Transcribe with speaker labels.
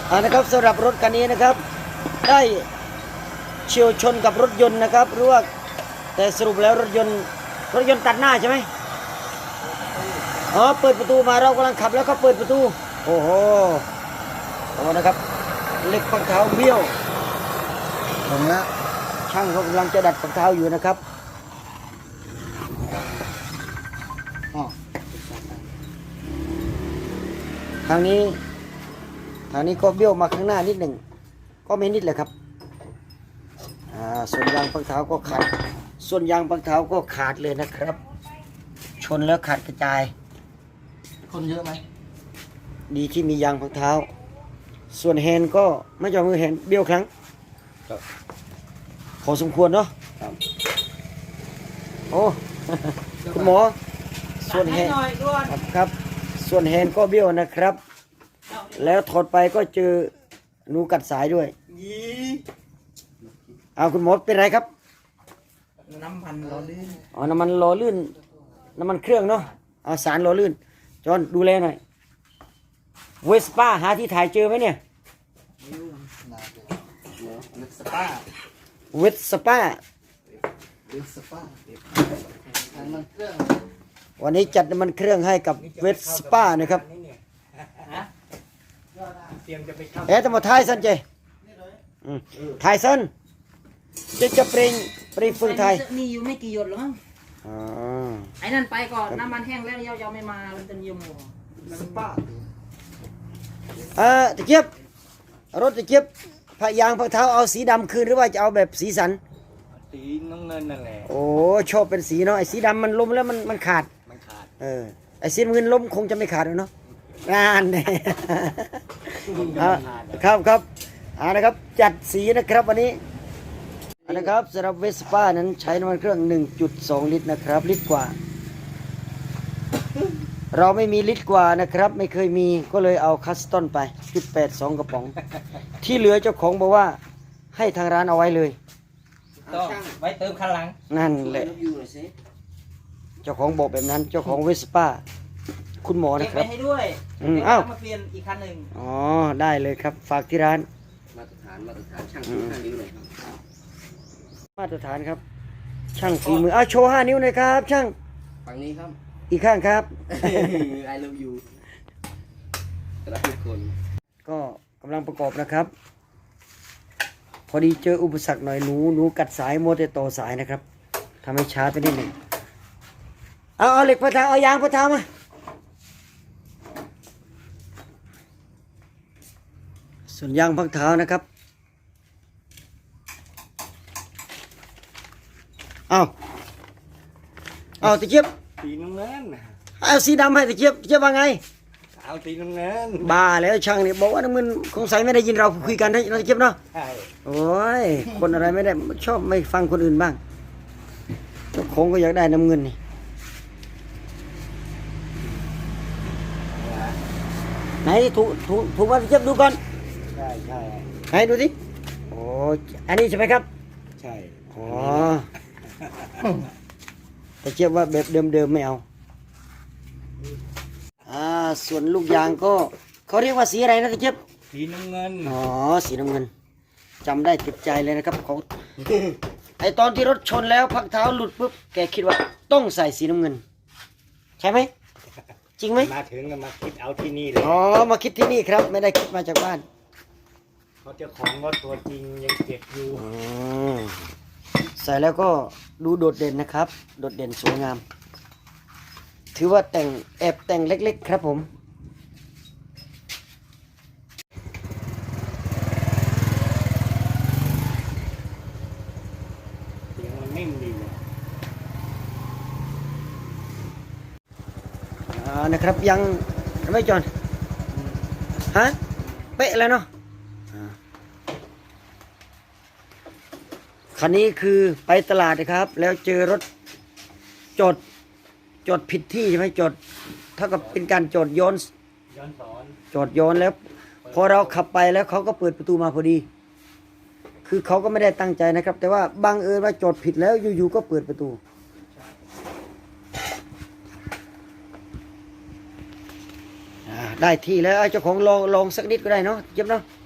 Speaker 1: นะครับสำหรับรถคันนี้นะครับได้เฉียวชนกับรถยนต์นะครับรู้ว่าแต่สรุปแล้วรถยนต์ตัดหน้าใช่ไหมอ๋อเปิดประตูมาเรากำลังขับแล้วก็เปิดประตูโอ้โหโอ้นะครับเหล็กฝักเท้าเบี้ยวเห็นไหมช่างเขากำลังจะดัดฝักเท้าอยู่นะครับทางนี้ก็เบี้ยวมาข้างหน้านิดหนึ่งก็ไม่นิดเลยครับส่วนยางฝักเท้าก็ขาดเลยนะครับชนแล้วขาดกระจาย
Speaker 2: คนเยอะไหม
Speaker 1: ดีที่มียางฝักเท้าส่วนแฮนด์ก็ไม่จอมือแฮนด์เบี้ยวครั้งพอสมควรเนาะโอ้คุณหมอส่วนแฮนด์ครับส่วนแฮนด์ก็เบี้ยวนะครับแล้วถอดไปก็เจอหนูกัดสายด้วยเอาคุณหมอเป็นไรครับ
Speaker 2: น้ำมันหล่อลื่น
Speaker 1: อ๋อน้ำมันหล่อลื่นน้ำมันเครื่องเนาะเอาสารหล่อลื่นจอนดูแลหน่อยเวสป้าหาที่ถ่ายเจอไหมเนี่ยเวสป้าวันนี้จัดน้ำมันเครื่องให้กับเวสป้านะครับแต่มาถ่ายสันเจถ่ายสันจะเปล่งฝึกถ่าย
Speaker 3: มีอยู่ไม่กี่หยดหรอกมั้งไอ้นั่นไปก่อนน้ำมันแห้งแล้วยาวไม่มามันจะยมหัวสปา
Speaker 1: ตะเกียบรถตะเกียบพยางพะเท้าเอาสีดำคืนหรือว่าจะเอาแบบสีสัน
Speaker 2: สีน้ำเงินนั่นแหละ
Speaker 1: โอ้ชอบเป็นสีเนาะไอ้สีดำมันล้มแล้วมันขาดไอ้สีน้ำเงินล้มคงจะไม่ขาดเนาะงานเนี่ยครับนะครับจัดสีนะครับวันนี้นะครับสำหรับเวสป้านั้นใช้น้ำมันเครื่อง 1.2 ลิตรนะครับลิตรกว่าเราไม่มีลิตรกว่านะครับไม่เคยมีก็เลยเอาคัสตอนไป 1.82 กระป๋องที่เหลือเจ้าของบอกว่าให้ทางร้านเอาไว้เลย
Speaker 3: ต้องไว้เติมคันหลัง
Speaker 1: นั่นแหละเจ้าของบอกแบบนั้นเจ้าของเวสป้าคุณหมอนะครับ
Speaker 3: ให้ด้วย
Speaker 1: อ้าว
Speaker 3: มาเปลี่ยนอีกคันหนึ่ง
Speaker 1: อ๋อได้เลยครับฝากที่ร้าน
Speaker 2: มาตรฐานช่าง5 นิ้วเลยครับ
Speaker 1: มาตรฐานครับช่างฝีมือโชว์5 นิ้วหน่อยครับช่าง
Speaker 2: ฝั่งนี้ครับ
Speaker 1: อีกข้างครับ
Speaker 2: I love you รักทุกคน
Speaker 1: ก็กำลังประกอบนะครับพอดีเจออุปสรรคหน่อยหนูกัดสายโมเตต่อสายนะครับทำให้ช้าไปนิดหนึ่งเอาเหล็กพะเท้าเอายางพะเท้ามาส่วนยางพักเท้านะครับเอาตะเกียบ
Speaker 2: สีน้ำเงิน
Speaker 1: เอาสีดำให้ตะเกียบว่าไง
Speaker 2: เอาสีน้ำเงิน
Speaker 1: บ้าแล้วช่างเนี่ยบอกว่าน้ำเงินคงใส่ไม่ได้ยินเราคุยกันนะตะเกียบเนาะ
Speaker 2: ใช่
Speaker 1: โอ้ยคนอะไรไม่ได้ชอบไม่ฟังคนอื่นบ้างเจ้าของก็อยากได้น้ำเงินนี่ไหนถูกว่าตะเกียบดูก่อน
Speaker 2: ใช่
Speaker 1: ไหนดูสิโอ้อันนี้ใช่ไหมครับ
Speaker 2: ใช่
Speaker 1: อ๋อแต่เทียบว่าแบบเดิมไม่เอาส่วนลูกยางก็เขาเรียกว่าสีอะไรนะตะเทียบ
Speaker 2: สีน้ำเงิน
Speaker 1: อ๋อสีน้ำเงินจำได้ติดใจเลยนะครับเขาไอตอนที่รถชนแล้วพักเท้าหลุดปุ๊บแกคิดว่าต้องใส่สีน้ำเงินใช่ไหมจริงไหม
Speaker 2: มาถึงก็มาคิดเอาที่นี่เลย
Speaker 1: อ๋อมาคิดที่นี่ครับไม่ได้คิดมาจากบ้าน
Speaker 2: เขาเจ้าของรถตัวจริงยังเก็บอยู่
Speaker 1: ใส่แล้วก็ดูโดดเด่นนะครับโดดเด่นสวยงามถือว่าแอบแต่งเล็กๆครับผม
Speaker 2: เสียงมันนิ่มดีเลย
Speaker 1: นะครับยังไม่จอนฮะเป๊ะแล้วเนาะคันนี้คือไปตลาดนะครับแล้วเจอรถจอดผิดที่ใช่ไหมจอดเท่ากับเป็นการจอดย้อนสอนจอดย้อนแล้วพอเราขับไปแล้วเขาก็เปิดประตูมาพอดีคือเขาก็ไม่ได้ตั้งใจนะครับแต่ว่าบังเอิญว่าจอดผิดแล้วอยู่ๆก็เปิดประตูได้ที่แล้วเจ้าของลองสักนิดก็ได้เนาะเจ็บเนาะ